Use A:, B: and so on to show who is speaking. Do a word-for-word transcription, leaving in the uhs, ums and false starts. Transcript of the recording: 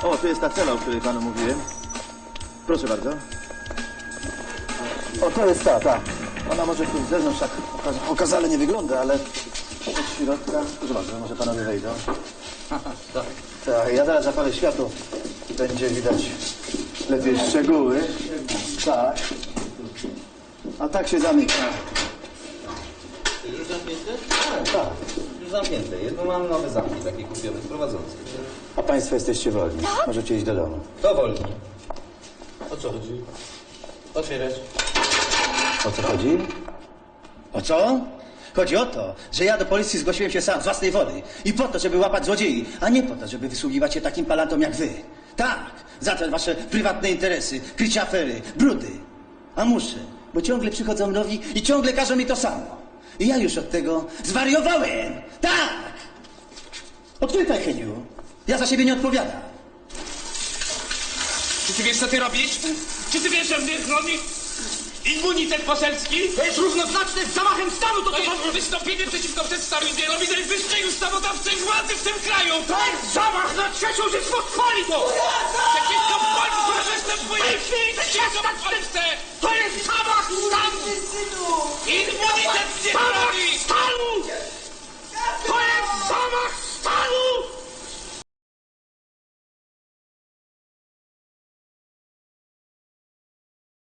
A: O, tu jest ta cela, o której panu mówiłem. Proszę bardzo. O, to jest ta, ta. Ona może tu z zewnątrz tak oka- okazale nie wygląda, ale od środka... Proszę bardzo, może panowie wejdą.
B: Tak.
A: Tak, ja zaraz zapalę światło. Będzie widać lepiej szczegóły. Tak. A tak się zamyka.
B: Już zamknięte?
A: Tak, tak.
B: Już zamknięte. Jedno mam nowe zamki, takie kupione, prowadzące.
A: A państwo jesteście wolni. Możecie iść do domu.
B: To wolno. O co chodzi? Otwierać.
A: O co chodzi?
C: O co? Chodzi o to, że ja do policji zgłosiłem się sam, z własnej woli. I po to, żeby łapać złodziei, a nie po to, żeby wysługiwać się takim palantom jak wy. Tak, za te wasze prywatne interesy, krycie afery, brudy. A muszę, bo ciągle przychodzą nowi i ciągle każą mi to samo. I ja już od tego zwariowałem. Tak! Odczytaj, Heniu. Ja za siebie nie odpowiadam.
D: Czy ty wiesz, co ty robisz? Czy ty wiesz, że mnie chroni immunitet poselski? To jest równoznaczne z zamachem stanu! To, to jest wystąpienie przeciwko przedstawicielowi najwyższej ustawodawczej władzy w tym kraju! To jest zamach na trzecią Rzeczpospolitą! Przeciwko Polsce! Przeciwko Polsce!